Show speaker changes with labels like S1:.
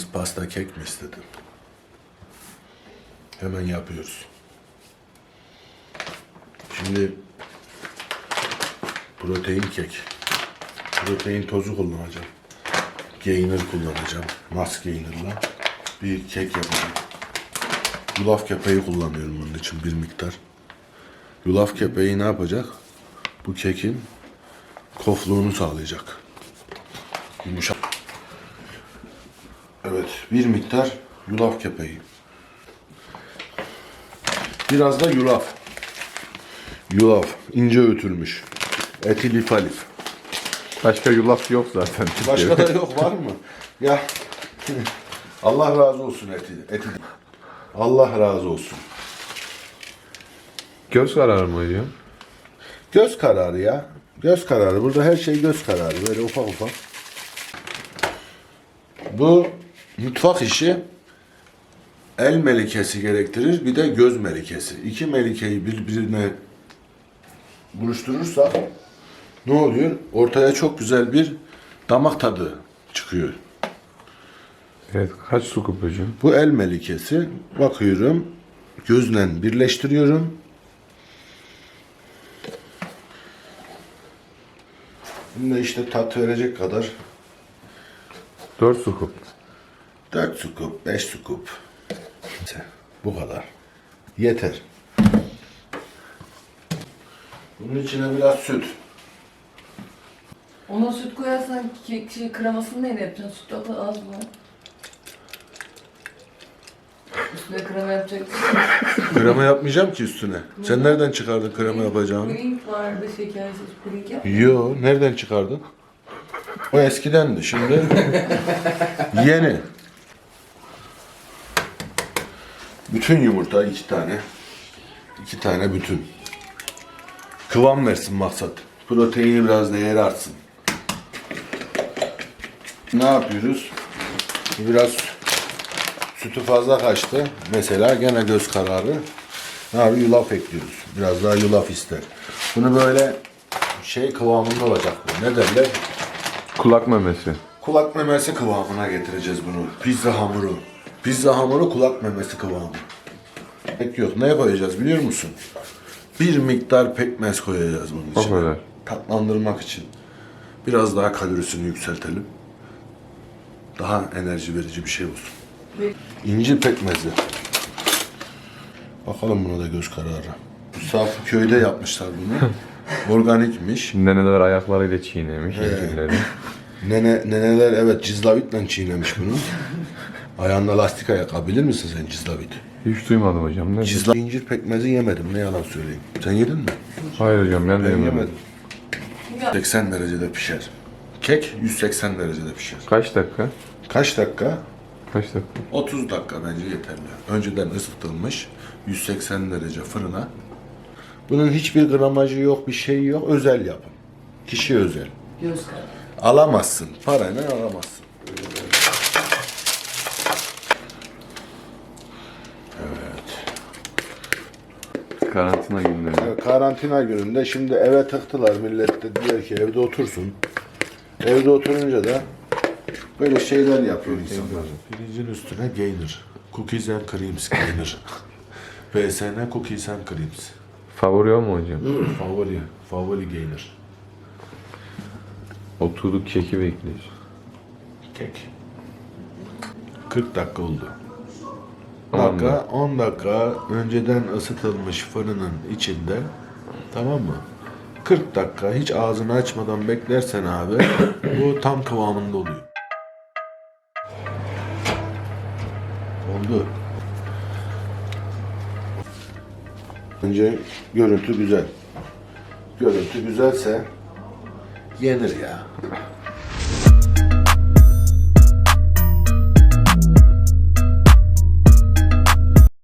S1: pasta kek mi istedin? Hemen yapıyoruz. Şimdi protein kek. Protein tozu kullanacağım. Gainer kullanacağım. Mass Gainer'la bir kek yapacağım. Yulaf kepeği kullanıyorum bunun için bir miktar. Yulaf kepeği ne yapacak? Bu kekin kofluğunu sağlayacak. Yumuşak. Evet, bir miktar yulaf kepeği. Biraz da yulaf. Yulaf, ince öğütülmüş. Etilifalif.
S2: Başka yulaf yok zaten.
S1: Başka da yok, var mı? Ya Allah razı olsun eti. Allah razı olsun.
S2: Göz kararı mı hocam?
S1: Göz kararı ya. Göz kararı. Burada her şey göz kararı. Böyle ufak ufak. Bu mutfak işi el melikesi gerektirir. Bir de göz melikesi. İki melikeyi birbirine buluşturursak ne oluyor? Ortaya çok güzel bir damak tadı çıkıyor.
S2: Evet, kaç su kup hocam?
S1: Bu el melikesi. Bakıyorum. Gözle birleştiriyorum. Bunda işte tat verecek kadar
S2: 4 su kup.
S1: 4 su kup, 5 su kup. Bu kadar. Yeter. Bunun içine biraz süt.
S3: Ona süt koyarsan kremasını neyle yapacaksın? Süt çok az mı? Üstüne krema yapacaksın.
S1: Krema yapmayacağım ki üstüne. Sen nereden çıkardın krema yapacağını?
S3: Puding vardı, şekersiz puding yap.
S1: Yo, nereden çıkardın? O eskidendi, şimdi yeni. Bütün yumurta 2 tane. 2 tane bütün. Kıvam versin maksat. Proteini biraz değeri artsın. Ne yapıyoruz? Biraz sütü fazla kaçtı. Mesela gene göz kararı. Ne yapıyoruz? Yulaf ekliyoruz. Biraz daha yulaf ister. Bunu böyle şey kıvamında olacak bu. Ne derler?
S2: Kulak memesi.
S1: Kulak memesi kıvamına getireceğiz bunu. Pizza hamuru. Pizza hamuru kulak memesi kıvamı. Pek yok. Ne koyacağız biliyor musun? Bir miktar pekmez koyacağız bunun
S2: O
S1: içine.
S2: kadar.
S1: Tatlandırmak için. Biraz daha kalorisini yükseltelim. Daha enerji verici bir şey olsun. İncir pekmezi. Bakalım buna da göz kararı. Safi köyde yapmışlar bunu. Organikmiş.
S2: Neneler ayaklarıyla çiğnemiş incirleri.
S1: Neneler evet cizlavitle çiğnemiş bunu. Ayağında lastik ayakkabı bilir misin sen cizlavit?
S2: Hiç duymadım hocam. Ne?
S1: İncir pekmezi yemedim ne yalan söyleyeyim. Sen yedin mi?
S2: Hayır hocam, ben de
S1: Ben
S2: yemedim.
S1: yemedim. 80 derecede pişer. Kek 180 derecede pişer.
S2: Kaç dakika?
S1: Kaç dakika?
S2: Kaç dakika?
S1: 30 dakika bence yeterli. Önceden ısıtılmış 180 derece fırına. Bunun hiçbir gramajı yok, bir şeyi yok. Özel yapım. Kişi özel.
S3: Göz kararı.
S1: Alamazsın. Parayla alamazsın.
S2: Karantina günleri.
S1: Karantina gününde şimdi eve tıktılar. Millet de diyor ki evde otursun. Evde oturunca da böyle şeyler yapıyor insanlar. Pirincin üstüne gainer. Cookies and creams gainer. PSN cookies and creams.
S2: Favori o mu hocam?
S1: Favori gainer.
S2: Oturduk keki bekliyoruz.
S1: Kek. 40 dakika oldu.
S2: 10
S1: 10 dakika önceden ısıtılmış fırının içinde, tamam mı? 40 dakika hiç ağzını açmadan beklersen abi bu tam kıvamında oluyor. Oldu. Önce görüntü güzel. Görüntü güzelse yenir ya.